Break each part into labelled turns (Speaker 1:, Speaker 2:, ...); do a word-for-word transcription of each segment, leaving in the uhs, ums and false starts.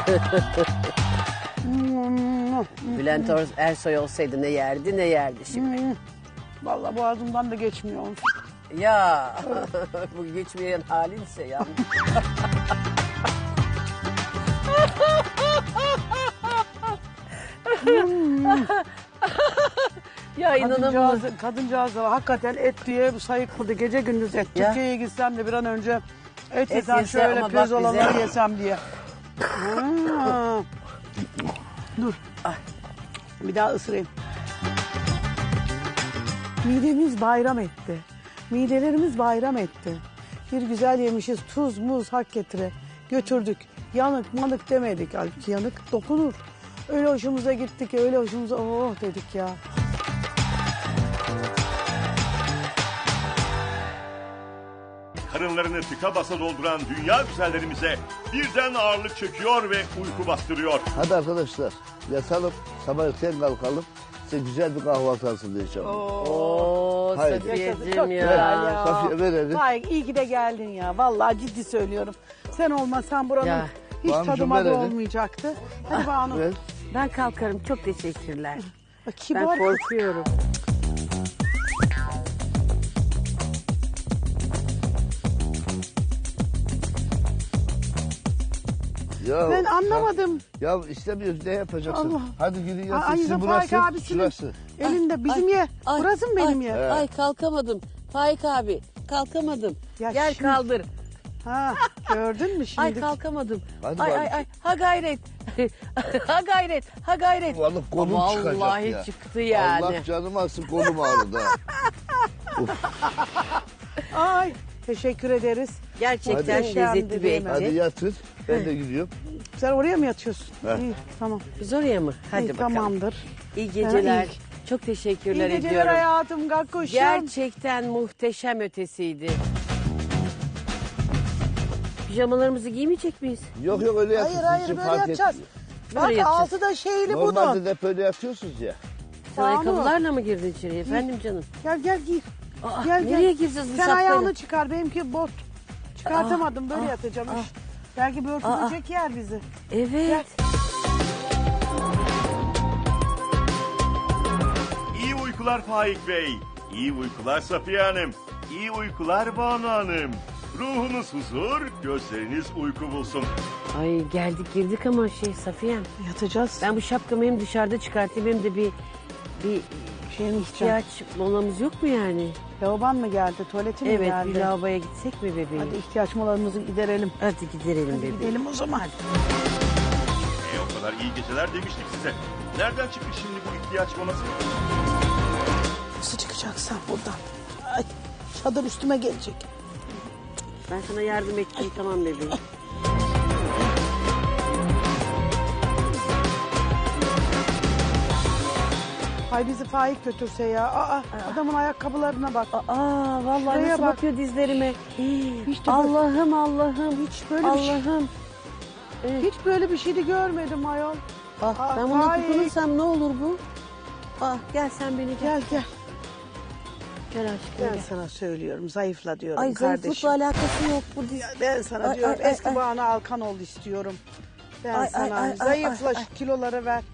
Speaker 1: Bülent Ersoy olsaydı ne yerdi ne yerdi şimdi.
Speaker 2: Vallahi boğazımdan da geçmiyor.
Speaker 1: Ya bu geçmeyen halinse ya. Ya inanamıyorum.
Speaker 2: Kadıncağız, kadıncağız da hakikaten et diye sayıkladı. Gece gündüz et.
Speaker 1: Ya.
Speaker 2: Türkiye'ye gitsem de bir an önce et,
Speaker 1: Et
Speaker 2: yesem
Speaker 1: yese
Speaker 2: şöyle
Speaker 1: ama bak
Speaker 2: pirzolaları
Speaker 1: bize-
Speaker 2: yesem diye. Ha. Dur.
Speaker 1: Ay.
Speaker 2: Bir daha ısırayım. Midemiz bayram etti. Midelerimiz bayram etti. Bir güzel yemişiz. Tuz, muz hak getire. Götürdük. Yanık manık demedik. Halbuki yanık dokunur. Öyle hoşumuza gittik. Öyle hoşumuza oh dedik ya.
Speaker 3: Karınlarını tıka basa dolduran dünya güzellerimize birden ağırlık çöküyor ve uyku bastırıyor.
Speaker 4: Hadi arkadaşlar yatalım, sabah erken kalkalım. Size güzel bir kahvaltı hazırlayacağım.
Speaker 1: Oo
Speaker 4: Haydi.
Speaker 2: Çok
Speaker 1: Safiyeciğim
Speaker 2: güzel
Speaker 1: ya.
Speaker 2: ya.
Speaker 4: Safiye ver elini.
Speaker 2: Hayır, iyi ki de geldin ya. Vallahi ciddi söylüyorum. Sen olmasan buranın
Speaker 1: Ya.
Speaker 2: hiç
Speaker 4: Banucuğum,
Speaker 2: tadıma
Speaker 4: ver
Speaker 2: da
Speaker 4: elini.
Speaker 2: olmayacaktı. Hadi Banu.
Speaker 4: Ver.
Speaker 1: Ben kalkarım çok teşekkürler.
Speaker 2: Bak,
Speaker 1: Ben
Speaker 2: kibar.
Speaker 1: korkuyorum.
Speaker 4: Ya,
Speaker 2: Ben anlamadım.
Speaker 4: Ya istemiyoruz ne yapacaksın?
Speaker 2: Allah.
Speaker 4: Hadi gidin yatın.
Speaker 2: Ay,
Speaker 4: Sizin
Speaker 2: Faik
Speaker 4: burası,
Speaker 2: abisinin
Speaker 4: şurası.
Speaker 2: elinde bizim
Speaker 1: Ay,
Speaker 2: ye.
Speaker 1: ay,
Speaker 2: Burası mı benim
Speaker 1: ay,
Speaker 2: ye?
Speaker 1: Ay kalkamadım. Faik abi kalkamadım.
Speaker 2: Ya
Speaker 1: Gel
Speaker 2: şimdi-
Speaker 1: kaldır.
Speaker 2: Ha, gördün mü şimdi?
Speaker 1: Ay kalkamadım.
Speaker 4: Hadi
Speaker 1: ay
Speaker 4: bari.
Speaker 1: ay ay ha gayret. ha gayret. Ha gayret.
Speaker 4: Vallahi kolum
Speaker 1: Vallahi
Speaker 4: çıkacak ya.
Speaker 1: çıktı yani.
Speaker 4: Allah canım alsın kolum ağrıdı. ha.
Speaker 2: Ay, teşekkür ederiz.
Speaker 1: Gerçekten
Speaker 2: Hadi.
Speaker 1: lezzetli bir
Speaker 2: Hadi
Speaker 4: Hadi
Speaker 1: etçi.
Speaker 4: yatın. Ben de gidiyorum.
Speaker 2: Sen oraya mı yatıyorsun?
Speaker 4: He.
Speaker 2: İyi, tamam.
Speaker 1: Biz oraya mı? Hadi
Speaker 2: İyi,
Speaker 1: bakalım.
Speaker 2: tamamdır.
Speaker 1: İyi geceler.
Speaker 2: Ha,
Speaker 1: Çok teşekkürler
Speaker 2: İyi geceler
Speaker 1: ediyorum.
Speaker 2: hayatım, gakkuşum.
Speaker 1: Gerçekten muhteşem ötesiydi. Pijamalarımızı giymeyecek miyiz?
Speaker 4: Yok yok öyle yatın.
Speaker 2: Hayır hayır
Speaker 4: Sizin
Speaker 2: böyle
Speaker 4: fark
Speaker 2: yatacağız.
Speaker 4: etmiyor.
Speaker 2: Bak
Speaker 1: Böyle yatacağız.
Speaker 2: altı da şeyli
Speaker 4: Normalde
Speaker 2: bunun.
Speaker 4: de hep öyle yatıyorsunuz ya.
Speaker 1: Sen
Speaker 2: Banu.
Speaker 1: ayakkabılarla mı girdin içeriye efendim canım?
Speaker 2: Gel gel gir.
Speaker 1: Aa,
Speaker 2: Gel, gel.
Speaker 1: nereye gireceğiz bu
Speaker 2: Sen
Speaker 1: şapkayla?
Speaker 2: ayağını çıkar, benimki bot. Çıkartamadım, böyle
Speaker 1: Aa,
Speaker 2: yatacağım.
Speaker 1: aa.
Speaker 2: Üş. Belki bir örtülecek yer bizi.
Speaker 1: Evet.
Speaker 3: İyi uykular Faik Bey. İyi uykular Safiye Hanım. İyi uykular Banu Hanım. Ruhunuz huzur, gözleriniz uyku bulsun.
Speaker 1: Ay geldik girdik ama şey Safiye'm.
Speaker 2: Yatacağız.
Speaker 1: Ben bu şapkamı hem dışarıda çıkartayım hem de bir bir
Speaker 2: Şey mi
Speaker 1: ihtiyaç molamız yok mu yani?
Speaker 2: Lavaban mı geldi, tuvaletin mi
Speaker 1: Evet
Speaker 2: geldi?
Speaker 1: bir lavaboya gitsek mi bebeğim?
Speaker 2: Hadi ihtiyaç molalarımızı giderelim.
Speaker 1: Hadi gidelim bebeğim.
Speaker 2: Gidelim o zaman.
Speaker 3: E o kadar iyi geceler demiştik size. Nereden çıktı şimdi bu ihtiyaç molası?
Speaker 2: Nasıl çıkacaksın buradan? Ay, çadır üstüme gelecek.
Speaker 1: Ben sana yardım ettim tamam bebeğim.
Speaker 2: Ay bizi Faik götürse ya. Aa, adamın ayakkabılarına bak.
Speaker 1: Aa vallahi
Speaker 2: Şuraya
Speaker 1: nasıl
Speaker 2: bak.
Speaker 1: bakıyor dizlerime.
Speaker 2: Hiç de böyle-
Speaker 1: Allah'ım Allah'ım.
Speaker 2: Hiç böyle bir şey,
Speaker 1: Allah'ım.
Speaker 2: hiç böyle bir şey de görmedim ayol.
Speaker 1: Bak
Speaker 2: Aa,
Speaker 1: ben buna
Speaker 2: Faik.
Speaker 1: tutunursam ne olur bu? Ah gel sen beni gel.
Speaker 2: Gel gel.
Speaker 1: Gel aşkım
Speaker 2: Ben
Speaker 1: gel.
Speaker 2: sana söylüyorum, zayıfla diyorum
Speaker 1: Ay
Speaker 2: kardeşim.
Speaker 1: zayıflıkla alakası yok bu diz.
Speaker 2: Ben sana
Speaker 1: Ay,
Speaker 2: diyorum
Speaker 1: ay, ay,
Speaker 2: eski
Speaker 1: ay.
Speaker 2: Banu Alkan ol istiyorum. Ben
Speaker 1: Ay, ay,
Speaker 2: sana
Speaker 1: ay, ay,
Speaker 2: zayıfla
Speaker 1: ay,
Speaker 2: şu
Speaker 1: ay.
Speaker 2: kiloları ver.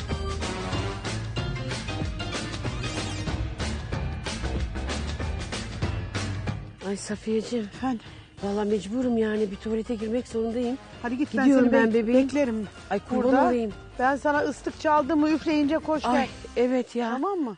Speaker 1: Ay Safiyeciğim.
Speaker 2: Efendim.
Speaker 1: Vallahi mecburum yani bir tuvalete girmek zorundayım.
Speaker 2: Hadi git
Speaker 1: Gidiyorum
Speaker 2: ben seni
Speaker 1: ben
Speaker 2: bek-
Speaker 1: bebeğim.
Speaker 2: beklerim.
Speaker 1: Ay kurban
Speaker 2: Burada.
Speaker 1: olayım.
Speaker 2: Ben sana ıslık çaldığımı üfleyince koş
Speaker 1: Ay
Speaker 2: gel.
Speaker 1: evet ya.
Speaker 2: Tamam mı?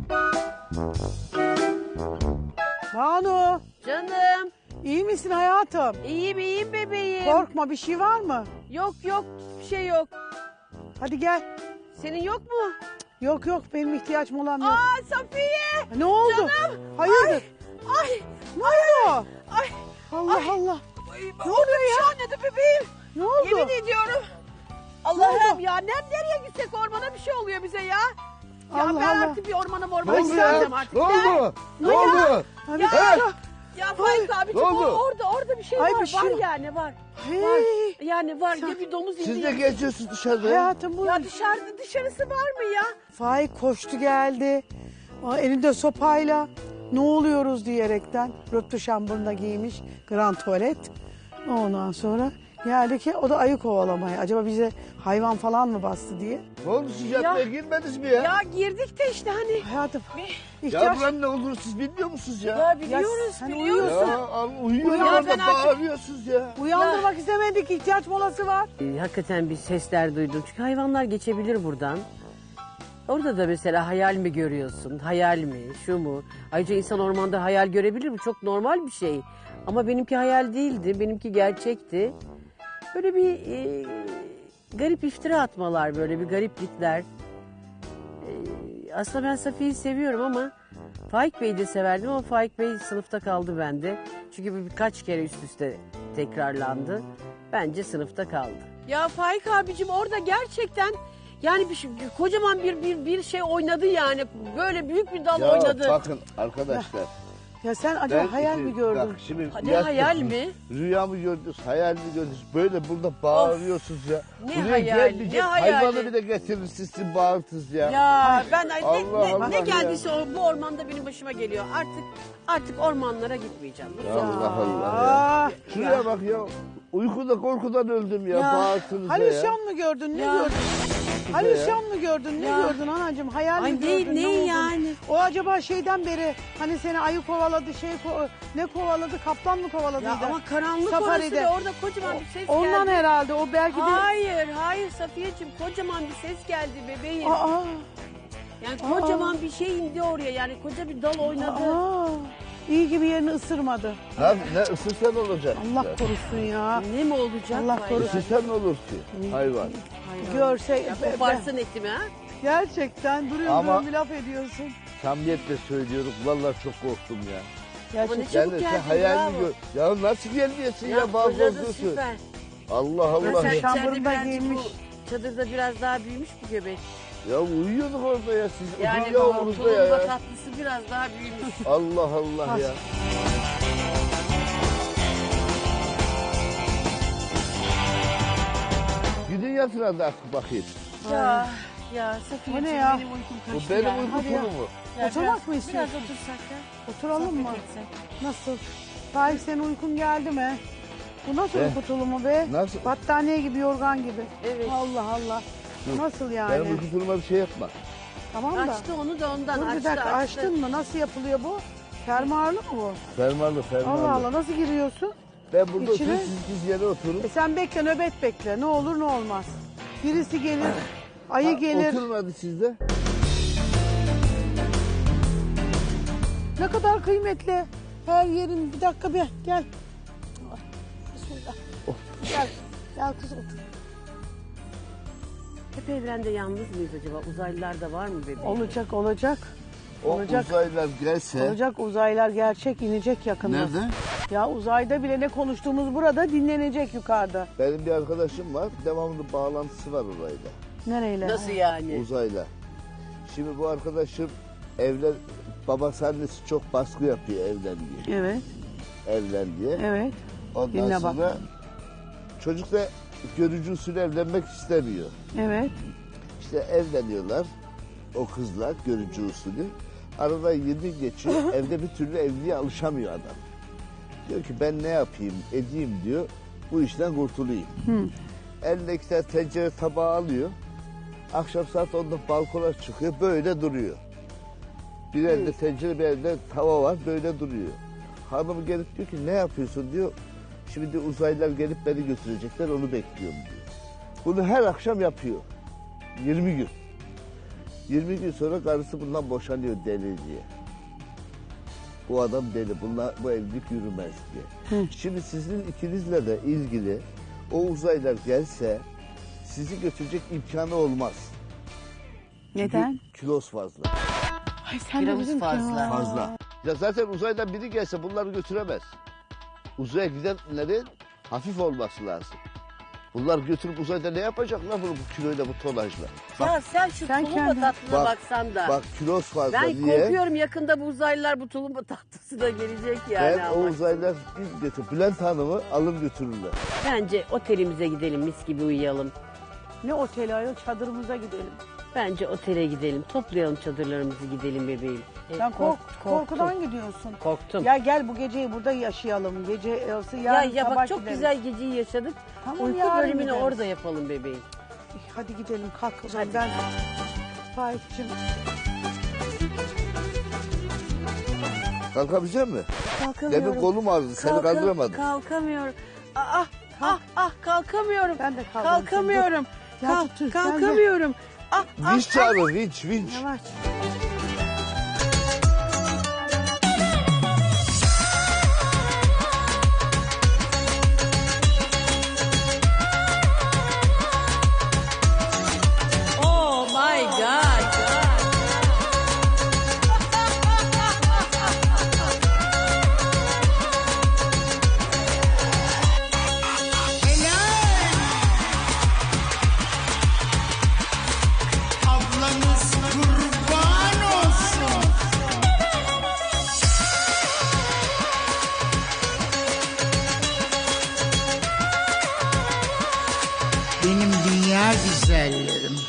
Speaker 2: Banu,
Speaker 1: Canım.
Speaker 2: iyi misin hayatım?
Speaker 1: İyiyim iyiyim bebeğim.
Speaker 2: Korkma, bir şey var mı?
Speaker 1: Yok yok bir şey yok.
Speaker 2: Hadi gel.
Speaker 1: Senin yok mu?
Speaker 2: Yok yok, benim ihtiyaç molam yok.
Speaker 1: Aa Safiye.
Speaker 2: Ne oldu?
Speaker 1: Canım.
Speaker 2: Hayırdır?
Speaker 1: Ay.
Speaker 2: Ne oldu?
Speaker 1: Ay.
Speaker 2: Allah
Speaker 1: Ay.
Speaker 2: Allah.
Speaker 1: Ne oluyor ya? Şu anladı bebeğim.
Speaker 2: Ne oldu?
Speaker 1: Yemin ediyorum. Allah'ım ya ne, nereye gitsek ormana bir şey oluyor bize ya. Ya
Speaker 2: Allah
Speaker 1: ben
Speaker 2: Allah.
Speaker 1: artık bir ormana
Speaker 4: Ne
Speaker 1: mormana
Speaker 4: oldu ya?
Speaker 1: gideceğim artık.
Speaker 4: Ne oldu? Ne oldu?
Speaker 2: Hadi
Speaker 1: Ya,
Speaker 2: gel.
Speaker 1: ya Faik abicim
Speaker 4: ne
Speaker 1: o,
Speaker 4: oldu?
Speaker 1: orada orada bir şey
Speaker 2: Ay,
Speaker 1: var.
Speaker 2: bir şey
Speaker 1: var
Speaker 2: var.
Speaker 1: yani var.
Speaker 2: Hey.
Speaker 1: Var. Yani var
Speaker 2: Sen-
Speaker 1: ya bir domuz indi.
Speaker 4: Siz de
Speaker 1: ya.
Speaker 4: geziyorsunuz dışarıda.
Speaker 2: Hayatım bu.
Speaker 1: Ya dışarıda dışarısı var mı ya?
Speaker 2: Faik koştu geldi. Aa, elinde sopayla. Ne oluyoruz diyerekten. Röptü şambırına giymiş. Grand tuvalet. Ondan sonra Geldi ki o da ayı kovalamaya. Acaba bize hayvan falan mı bastı diye.
Speaker 4: Ne oldu siz yatmaya girmediniz mi ya?
Speaker 1: Ya girdik de işte hani.
Speaker 2: Hayatım.
Speaker 4: Ya
Speaker 2: ihtiyaç...
Speaker 4: buranın ne olur siz bilmiyor musunuz ya?
Speaker 1: Ya biliyoruz
Speaker 2: sen
Speaker 1: biliyoruz.
Speaker 2: uyuyorsun.
Speaker 4: Ya al, uyuyor
Speaker 2: Uyan,
Speaker 4: orada
Speaker 1: ben artık-
Speaker 4: bağırıyorsunuz ya.
Speaker 2: Uyandırmak istemedik. İhtiyaç molası var.
Speaker 5: Ee, Hakikaten bir sesler duydum. Çünkü hayvanlar geçebilir buradan. Orada da mesela hayal mi görüyorsun? Hayal mi? Şu mu? Ayrıca insan ormanda hayal görebilir mi? Çok normal bir şey. Ama benimki hayal değildi. Benimki gerçekti. Böyle bir e, garip iftira atmalar, böyle bir gariplikler. E, aslında ben Safiye'yi seviyorum ama Faik Bey'i de severdim ama Faik Bey sınıfta kaldı bende. Çünkü bu birkaç kere üst üste tekrarlandı. Bence sınıfta kaldı.
Speaker 1: Ya Faik abicim orada gerçekten yani bir şey- kocaman bir bir bir şey oynadı yani. Böyle büyük bir dal
Speaker 4: Ya
Speaker 1: oynadı.
Speaker 4: bakın arkadaşlar.
Speaker 2: Ya sen acaba
Speaker 4: ben
Speaker 2: hayal
Speaker 4: iki-
Speaker 2: mi gördün?
Speaker 4: Bak şimdi
Speaker 1: Ne
Speaker 4: yattınız,
Speaker 1: hayal mi?
Speaker 4: Rüya mı gördünüz, hayal mi gördünüz? Böyle burada bağırıyorsunuz ya.
Speaker 1: Ne
Speaker 4: Buraya
Speaker 1: hayali,
Speaker 4: gelmeyecek
Speaker 1: ne hayali?
Speaker 4: hayvanı bile getirir sizin bağırtınız ya.
Speaker 1: Ya ben ne,
Speaker 4: Allah
Speaker 1: ne,
Speaker 4: Allah
Speaker 1: ne
Speaker 4: ya.
Speaker 1: geldiyse o, bu ormanda benim başıma geliyor. Artık artık ormanlara gitmeyeceğim.
Speaker 4: Allah Allah ya.
Speaker 2: Aa,
Speaker 4: Şuraya bak ya. Uykuda korkudan öldüm ya.
Speaker 1: Ya,
Speaker 4: Bağırtınız ya.
Speaker 2: halüsyon mu gördün? Ne
Speaker 1: Ya.
Speaker 2: gördün? Halüsyon mu gördün? Ne
Speaker 1: Ya.
Speaker 2: gördün anacığım? Hayal
Speaker 1: Ay
Speaker 2: mi
Speaker 1: değil,
Speaker 2: gördün?
Speaker 1: ne
Speaker 2: oldu?
Speaker 1: yani?
Speaker 2: O acaba şeyden beri hani seni ayı kovaladı, şey ko- ne kovaladı? Kaplan mı kovaladıydı?
Speaker 1: Ya ama karanlık
Speaker 2: Safaride.
Speaker 1: orası ve orada kocaman bir ses
Speaker 2: Ondan
Speaker 1: geldi.
Speaker 2: herhalde o belki de...
Speaker 1: Hayır, hayır Safiyeciğim kocaman bir ses geldi bebeğim.
Speaker 2: Aa,
Speaker 1: Yani kocaman bir şey indi oraya yani koca bir dal oynadı.
Speaker 2: aa, iyi gibi yerini ısırmadı.
Speaker 4: Ne, ne ısırsan olacak.
Speaker 2: Allah korusun ya.
Speaker 1: Ne mi olacak?
Speaker 2: Allah
Speaker 1: Vay.
Speaker 2: korusun.
Speaker 4: Isırsan ne olur ki hayvan.
Speaker 2: Görse...
Speaker 1: Ya koparsın etimi ha?
Speaker 2: Gerçekten duruyor
Speaker 4: Ama-
Speaker 2: duruyor bir laf ediyorsun.
Speaker 4: Samimiyetle söylüyorum. Vallahi çok korktum ya.
Speaker 2: Gerçekten.
Speaker 1: ne çabuk
Speaker 4: Yani sen
Speaker 1: geldin,
Speaker 4: hayal mi
Speaker 1: bravo.
Speaker 4: gör? Ya nasıl gelmiyorsun ya,
Speaker 1: Ya
Speaker 4: bazı
Speaker 1: fırladı,
Speaker 4: bozuyorsun.
Speaker 1: süper.
Speaker 4: Allah Allah
Speaker 1: Sen
Speaker 4: ya.
Speaker 2: Şamburunda
Speaker 1: içeride birazcık
Speaker 2: giymiş.
Speaker 1: bu çadırda biraz daha büyümüş bu göbek.
Speaker 4: Ya uyuyorduk orada ya siz.
Speaker 1: Yani
Speaker 4: Yani yavrumuzda
Speaker 1: tulumba
Speaker 4: ya.
Speaker 1: tatlısı biraz daha büyümüş.
Speaker 4: Allah Allah ya. Gidin yatın hadi artık bakayım.
Speaker 1: ya ya Safiye
Speaker 2: O ne ya?
Speaker 1: benim uykum
Speaker 4: Bu
Speaker 1: kaçtı
Speaker 4: benim
Speaker 1: ya.
Speaker 4: uyku
Speaker 2: Hadi ya.
Speaker 4: tulumu.
Speaker 1: Ya
Speaker 2: Oturmak
Speaker 1: biraz-
Speaker 2: mı istiyorsun?
Speaker 1: Biraz otursak da.
Speaker 2: Oturalım mı?
Speaker 1: sohbet etsek.
Speaker 2: Nasıl? Faik senin uykun geldi mi? Bu nasıl
Speaker 4: Be.
Speaker 2: uyku tulumu be?
Speaker 4: Nasıl?
Speaker 2: Battaniye gibi, yorgan gibi.
Speaker 1: Evet.
Speaker 2: Allah Allah.
Speaker 4: Dur.
Speaker 2: Nasıl yani?
Speaker 4: Benim uyku tuluma bir şey yapma.
Speaker 2: Tamam da.
Speaker 1: Açtı onu da ondan
Speaker 2: Dur bir
Speaker 1: açtı
Speaker 2: dakika
Speaker 1: açtı.
Speaker 2: açtın mı? Nasıl yapılıyor bu? Fermuarlı mı bu?
Speaker 4: Fermuarlı fermuarlı.
Speaker 2: Allah Allah nasıl giriyorsun?
Speaker 4: Ben burada
Speaker 2: İçine-
Speaker 4: oturup siz biz yere oturun.
Speaker 2: E sen bekle nöbet bekle. Ne olur ne olmaz. Birisi gelir, ayı
Speaker 4: Ha,
Speaker 2: gelir.
Speaker 4: Oturun hadi siz de.
Speaker 2: Ne kadar kıymetli. Her yerin bir dakika bir gel. Bismillah. Gel. Gel kız otur.
Speaker 5: Hep evrende yalnız mıyız acaba? Uzaylılar da var mı bebeğim?
Speaker 2: Olacak olacak.
Speaker 4: O
Speaker 2: Olacak.
Speaker 4: uzaylılar gelse.
Speaker 2: Olacak uzaylar gerçek inecek yakında.
Speaker 4: Nerede?
Speaker 2: Ya uzayda bile ne konuştuğumuz burada dinlenecek yukarıda.
Speaker 4: Benim bir arkadaşım var. Devamlı bağlantısı var orayla.
Speaker 2: Nereyle?
Speaker 5: Nasıl yani?
Speaker 4: Uzayla. Şimdi bu arkadaşım evlen babası annesi çok baskı yapıyor evlen diye.
Speaker 2: Evet,
Speaker 4: Evlen diye.
Speaker 2: evet.
Speaker 4: Ondan
Speaker 2: Dinle bak.
Speaker 4: sonra çocuk da görücü usulü evlenmek istemiyor.
Speaker 2: Evet.
Speaker 4: İşte evleniyorlar o kızlar görücü usulü. Arada yedi geçiyor evde bir türlü evliliğe alışamıyor adam. Diyor ki ben ne yapayım edeyim diyor bu işten kurtulayım. Eline iki tane tencere tabağı alıyor. Akşam saat onda balkona çıkıyor böyle duruyor. Bir elde tencere bir elde tava var böyle duruyor. Hanım gelip diyor ki ne yapıyorsun diyor. Şimdi uzaylılar gelip beni götürecekler onu bekliyorum diyor. Bunu her akşam yapıyor. yirmi gün. yirmi gün sonra karısı bundan boşanıyor deli diye. Bu adam deli, bunlar, bu evlilik yürümez diye. Şimdi sizin ikinizle de ilgili o uzaylılar gelse sizi götürecek imkanı olmaz.
Speaker 2: Neden?
Speaker 4: Çünkü kilos fazla.
Speaker 2: Ay sen de
Speaker 5: Kilomuz
Speaker 2: bizim
Speaker 5: fazla.
Speaker 4: Fazla. Ya zaten uzaydan biri gelse bunları götüremez. Uzaya gidenlerin hafif olması lazım. Bunlar götürüp uzayda ne yapacaklar bunu bu kiloyla bu tonajla?
Speaker 1: Ya sen şu
Speaker 2: Sen
Speaker 1: tulumba
Speaker 2: kendin-
Speaker 1: tatlına
Speaker 4: Bak,
Speaker 1: baksan da.
Speaker 4: Bak kilos fazla
Speaker 1: ben
Speaker 4: diye.
Speaker 1: korkuyorum yakında bu uzaylılar bu tulumba tatlısı da gelecek yani.
Speaker 4: Ben o
Speaker 1: ama.
Speaker 4: uzaylılar biz götür. Bülent Hanım'ı alır götürürler.
Speaker 5: Bence otelimize gidelim, mis gibi uyuyalım.
Speaker 2: Ne oteli ayol çadırımıza gidelim.
Speaker 5: Bence otele gidelim. Toplayalım çadırlarımızı gidelim bebeğim. E,
Speaker 2: Sen kork,
Speaker 5: kork-
Speaker 2: korkudan gidiyorsun.
Speaker 5: Korktum.
Speaker 2: Ya gel bu geceyi burada yaşayalım. Gece yarısı
Speaker 5: Ya,
Speaker 2: yarın
Speaker 5: ya
Speaker 2: sabah
Speaker 5: bak çok
Speaker 2: gideriz.
Speaker 5: güzel geceyi yaşadık.
Speaker 2: Tamam,
Speaker 5: Uyku
Speaker 2: yarın
Speaker 5: bölümünü
Speaker 2: gideriz.
Speaker 5: orada yapalım bebeğim.
Speaker 2: Hadi gidelim kalk o zaman ben. Faik'cim
Speaker 4: Kalkabilecek misin?
Speaker 5: Kalkamıyorum.
Speaker 4: Demin kolum ağrıdı seni
Speaker 5: Kalka-
Speaker 4: kaldıramadım.
Speaker 5: Kalkamıyorum. Ah ah ah kalkamıyorum.
Speaker 2: Ben de kaldırırım seni,
Speaker 5: Kalkamıyorum.
Speaker 2: Gel
Speaker 5: Kalk-
Speaker 2: tutun, gel, gel.
Speaker 5: kalkamıyorum. Ah ah.
Speaker 4: Vinç çağırın vinç vinç.
Speaker 2: yavaş.
Speaker 5: Oh my God.
Speaker 6: Ablanız kurban olsun. Benim dünya güzellerim.